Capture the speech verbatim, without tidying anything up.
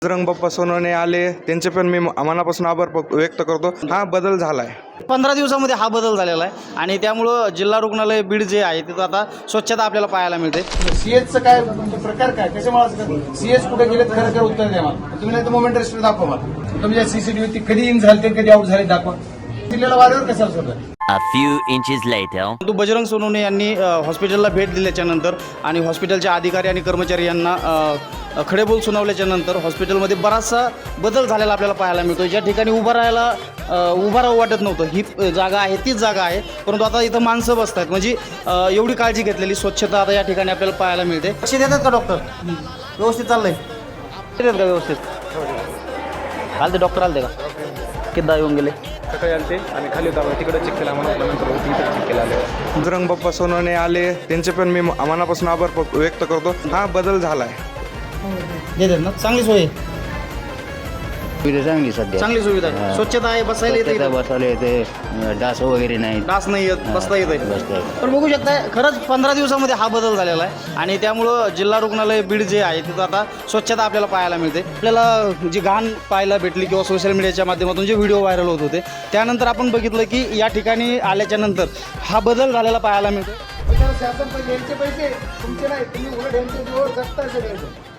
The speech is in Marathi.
बजरंग बाप्पा सोनवणे आले, त्यांचे पण मी मनापासून आभार व्यक्त करतो. हा बदल झाला आहे. पंधरा दिवसामध्ये हा बदल झालेला आहे आणि त्यामुळं जिल्हा रुग्णालय बीड जे आहे तिथं आता स्वच्छता आपल्याला पाहायला मिळते. सीएचचं काय म्हणजे प्रकार काय कशामुळे सीएच कुठे गेले खरं खरं उत्तर द्या मला. तुम्ही नाही तर मोमेंट रेस्टर दाखवा मला. तुम्ही सीसीटीव्ही कधी इन झाले ते कधी आउट झाले दाखवा. दिलेला वादावर कशाला सोडा. A few inches later. परंतु बजरंग सोनवणे यांनी हॉस्पिटलला भेट दिल्याच्या नंतर आणि हॉस्पिटलचे अधिकारी आणि कर्मचारी यांना अ, खडेबोल सुनावल्याच्या नंतर हॉस्पिटलमध्ये बराचसा बदल झालेला आपल्याला पाहायला मिळतो. ज्या ठिकाणी उभं राहायला अ, उभं राहू वाटत नव्हतं, ही जागा आहे तीच जागा आहे, परंतु आता इथं माणसं बसत आहेत. म्हणजे अ, एवढी काळजी घेतलेली स्वच्छता आता या ठिकाणी आपल्याला पाहायला मिळते. लक्ष देतात का डॉक्टर? व्यवस्थित चाललंय देतात का व्यवस्थित? आलते डॉक्टर आलते का? किती येऊन गेले? सकाळी आलते आणि खाली होता तिकडे चेक केला म्हणून नंतर इथं चेक केला आले. बजरंग बाप्पा सोनवणे आले, त्यांचे पण मी मनापासून आभार व्यक्त करतो. हा बदल झाला आहे. देतात ना? चांगली सोय आहे. सुविधा चांगली सध्या चांगली सुविधा आहे. स्वच्छता आहे, बसायला येते स्वच्छता इथं. बसवले येते, डास वगैरे नाही. डास नाही येत, बसता येत आहे. बसता येत. पण बघू शकता खरंच पंधरा दिवसामध्ये हा बदल झालेला आहे आणि त्यामुळं जिल्हा रुग्णालय बीड जे आहे तिथं आता स्वच्छता आपल्याला पाहायला मिळते. आपल्याला जी घाण पाहायला भेटली किंवा सोशल मीडियाच्या माध्यमातून जे व्हिडिओ व्हायरल होत होते त्यानंतर आपण बघितलं की या ठिकाणी आल्याच्या नंतर हा बदल झालेला पाहायला मिळतो. शासन पैसे यांचे पैसे तुमचे नाही. तुम्ही उलट यांचे जोर जगता सगळे.